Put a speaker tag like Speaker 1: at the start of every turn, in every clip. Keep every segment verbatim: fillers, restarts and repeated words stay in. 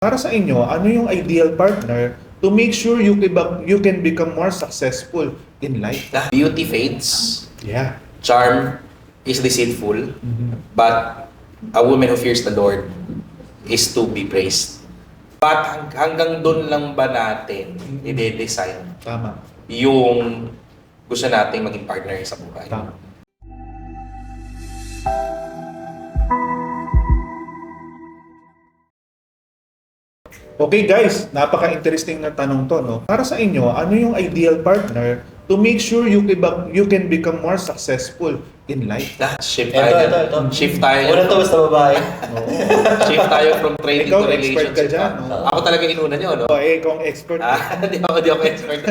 Speaker 1: Para sa inyo, ano yung ideal partner to make sure you can, you can become more successful in life?
Speaker 2: Beauty fades,
Speaker 1: Yeah.
Speaker 2: charm is deceitful,
Speaker 1: Mhm.
Speaker 2: but a woman who fears the Lord is to be praised. But hang- hanggang doon lang ba natin i-design
Speaker 1: Tama.
Speaker 2: yung gusto nating maging partner sa buhay?
Speaker 1: Tama. Okay guys, napaka-interesting na tanong to, no? Para sa inyo, ano yung ideal partner to make sure you can, you can become more successful in life?
Speaker 2: Ah, shift
Speaker 3: Ito,
Speaker 2: tayo.
Speaker 3: ito, ito.
Speaker 2: Shift tayo.
Speaker 3: Una to, basta babae.
Speaker 1: Oo.
Speaker 2: Shift tayo from trading
Speaker 1: Ikaw,
Speaker 2: to
Speaker 1: expert ka
Speaker 2: relationship.
Speaker 1: dyan,
Speaker 2: ah.
Speaker 1: no?
Speaker 2: Ako talaga inuna nyo, no?
Speaker 1: O, eh, kung expert.
Speaker 2: Ah, di ako, di ako expert.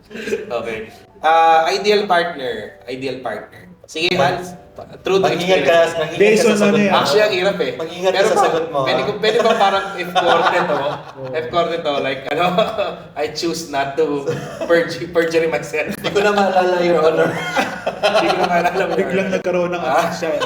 Speaker 2: Okay. Ah, ideal partner. Ideal partner. Sige, Hans. True to
Speaker 3: Mag-ingat ka,
Speaker 2: experience.
Speaker 3: mag-ingat
Speaker 1: Based
Speaker 3: ka
Speaker 1: on
Speaker 3: sa
Speaker 1: ano
Speaker 3: sagot
Speaker 1: yan?
Speaker 3: mo.
Speaker 2: Actually, ang hirap eh.
Speaker 3: Mag-ingat ka
Speaker 2: Pero
Speaker 3: sa
Speaker 2: pa-
Speaker 3: sagot mo.
Speaker 2: Pwede,
Speaker 3: ha?
Speaker 2: ko- pwede ba parang F-corte to? F-corte to, like, ano, I choose not to perjure, perjury myself.
Speaker 3: Hindi ko na maalala, Your Honor.
Speaker 2: Hindi ko na maalala mo.
Speaker 1: Biglang nagkaroon ng
Speaker 2: Ah.
Speaker 1: ano siya. no?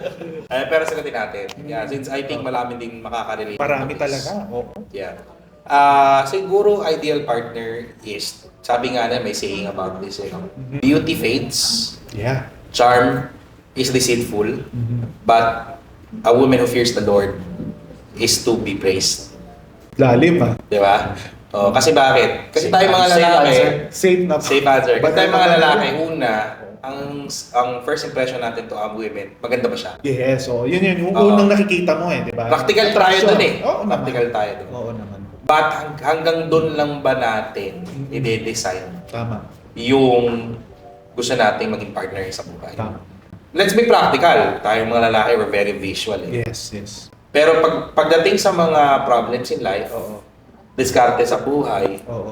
Speaker 2: Eh, pero sagutin natin. Yeah, since I think marami ding makaka-relate.
Speaker 1: Marami
Speaker 2: to this.
Speaker 1: talaga. Oo.
Speaker 2: Yeah. Ah, siguro ideal partner is, sabi nga na may saying about this, eh, no? Beauty fades,
Speaker 1: Yeah.
Speaker 2: charm is deceitful,
Speaker 1: Mhm.
Speaker 2: but a woman who fears the Lord is to be praised.
Speaker 1: Lalim ah.
Speaker 2: Di ba? Oh, kasi bakit? Kasi
Speaker 3: Safe
Speaker 2: tayo mga
Speaker 3: answer.
Speaker 2: lalaki,
Speaker 3: Safe
Speaker 1: Safe na.
Speaker 2: safe answer. Kasi tayo mga
Speaker 1: Bata-
Speaker 2: lalaki, una, ang ang first impression natin to ang women, maganda ba siya?
Speaker 1: Yes, so yun yun. Yung
Speaker 2: Oo.
Speaker 1: unang nakikita mo eh, di ba?
Speaker 2: Practical tayo dun eh.
Speaker 1: Oo naman.
Speaker 2: Practical tayo dun.
Speaker 1: Oo naman.
Speaker 2: But hang- hanggang doon lang ba natin i-design
Speaker 1: Tama.
Speaker 2: yung gusto nating maging partner sa buhay?
Speaker 1: Tama.
Speaker 2: Let's be practical. Tayong mga lalaki, we're very visual eh.
Speaker 1: Yes, yes.
Speaker 2: Pero pag pagdating sa mga problems in life,
Speaker 1: Oo.
Speaker 2: diskarte sa buhay,
Speaker 1: Oo.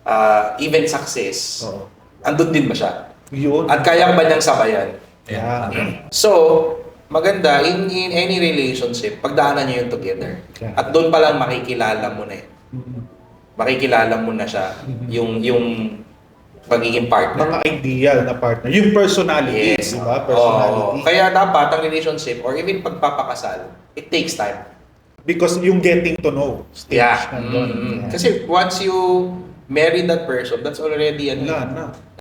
Speaker 2: uh, even success,
Speaker 1: Oo.
Speaker 2: andun din ba siya?
Speaker 1: Yun.
Speaker 2: At kaya ba niyang sabayan?
Speaker 1: Yeah.
Speaker 2: So, maganda, in, in any relationship, pagdaanan niyo yun together.
Speaker 1: Yeah.
Speaker 2: At doon pa lang makikilala mo na eh.
Speaker 1: Mhm.
Speaker 2: Makikilala mo na siya,
Speaker 1: Mhm.
Speaker 2: yung yung pagiging partner.
Speaker 1: Mga ideal na partner. Yung personality,
Speaker 2: Yes.
Speaker 1: di ba? Personality.
Speaker 2: Oo. Kaya dapat ang relationship or even pagpapakasal, it takes time.
Speaker 1: Because yung getting to know stage
Speaker 2: Yeah.
Speaker 1: nandun.
Speaker 2: Mm.
Speaker 1: Yeah.
Speaker 2: Kasi once you marry that person, that's already ano,
Speaker 1: Wala na.